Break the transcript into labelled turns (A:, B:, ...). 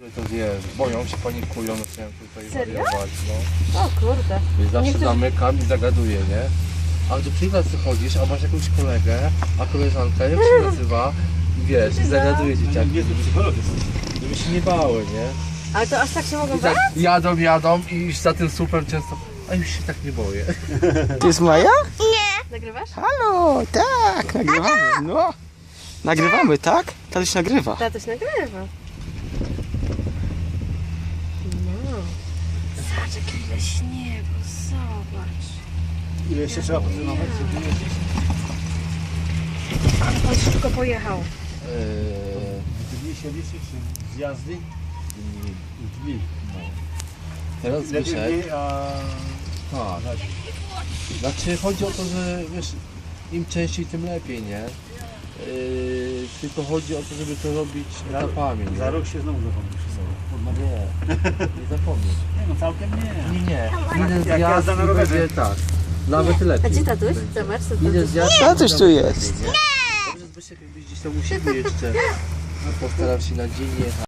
A: To wiesz, boją się, panikują, zaczynają tutaj wariować, no.
B: O kurde.
A: Więc zawsze
B: Niektórzy-
A: zamykam i zagaduję, nie? A do przykład chodzisz, a masz jakąś kolegę, a koleżanka, jak się nazywa? I wiesz, i zagaduje dzieciaki, żeby się nie bały, nie?
B: Ale to aż tak się mogą
A: I tak
B: bać?
A: jadą i już za tym słupem często, a już się tak nie boję.
C: To jest Maja?
B: Nagrywasz?
C: Halo, tak, nagrywamy, no. Nagrywamy, tak? Tatuś nagrywa.
B: Tatuś nagrywa. No. Zobacz, jakie ile śniegu, zobacz.
D: Ile jeszcze trzeba potrenować?
B: Ale pan szybko pojechał.
D: Dni się liczy, czy zjazdy? Dni.
A: Teraz
D: Lepiej
A: Zbyszek,
D: dni, a...
A: tak. Znaczy chodzi o to, że wiesz, im częściej tym lepiej, nie? Tylko chodzi o to, żeby to robić etapami, nie?
D: Za rok się znowu zapomnisz.
A: No nie, nie zapomnij.
D: Nie no, całkiem nie.
A: Nie. Jeden
D: Jak
A: zjazd
D: jazda na
A: i
D: rowerze.
A: będzie tak. Nawet
B: A
A: lepiej.
B: gdzie tatuś? Zobacz, co
A: Jeden
B: tatuś.
A: zjazd.
C: Tatuś tu jest.
A: Dobrze, Zbyszek, jakbyś gdzieś tam u siebie jeszcze. Postaram się na dzień jechać.